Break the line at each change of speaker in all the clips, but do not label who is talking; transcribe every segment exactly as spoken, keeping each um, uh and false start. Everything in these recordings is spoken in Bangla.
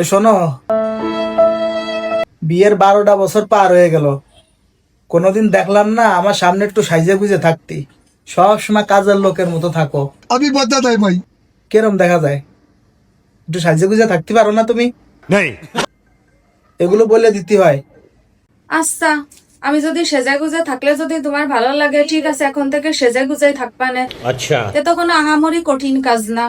শোনো, বিয়ের বারোটা বছর পার হয়ে গেল, কোনোদিন দেখলাম না আমার সামনে একটু সাইজে গুজে থাকতি। সব সময় কাজের লোকের মতো থাকো।
अभी बता दे भाई।
কেরম দেখা যায়? একটু সাইজে গুজে থাকতে পারো না তুমি? এগুলো বলে দিতে হয়।
আচ্ছা, আমি যদি সেজে গুজে থাকলে যদি তোমার ভালো লাগে, ঠিক আছে, এখন থেকে সেজে গুজেই থাকবা না।
अच्छा
এ তো কোনো আহামরি কঠিন কাজ না।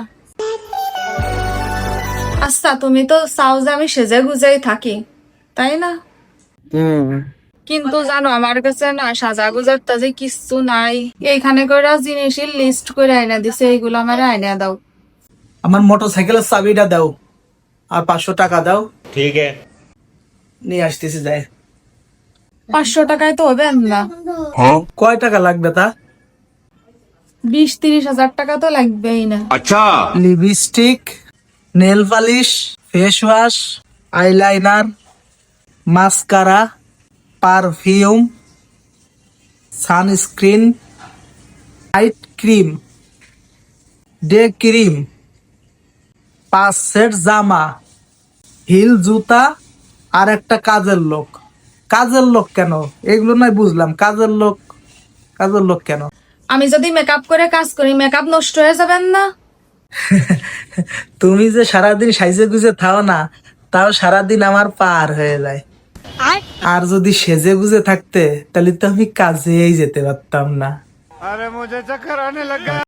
আচ্ছা, তুমি তো চাও যে আমি সেজে গুজেই থাকি, তাই না? কিন্তু জানো, আমার কাছে না সাজা গুজার তাজে কিচ্ছু নাই। এইখানে করে জিনিসের লিস্ট করে আইনা দিছে, এইগুলো আমার আইনা দাও।
আমার মোটর সাইকেলের চাবিটা দাও আর পাঁচশো টাকা দাও,
ठीक है।
নিয়ে আসতেছি যাই।
পাঁচশো টাকায় তো হবে না।
কয় টাকা লাগবে তা?
বিশ তিরিশ হাজার টাকা তো লাগবেই না।
Lipstick, nail polish, face wash, eyeliner, mascara, perfume, sunscreen, night cream, day cream, পাঁচ সেট জামা, হিল জুতা, আর একটা কাজের লোক। কাজের লোক কেন? এগুলো নয় বুঝলাম, কাজের লোক, কাজের লোক কেন?
আমি যদি মেকআপ করে কাজ করি, মেকআপ নষ্ট হয়ে যাবেন না?
তুমি যে সারাদিন সাইজে গুজে থাও না, তাও সারাদিন আমার পার হয়ে যায়। আর যদি সেজে গুজে থাকতে, তাহলে তো আমি কাজেই যেতে পারতাম না।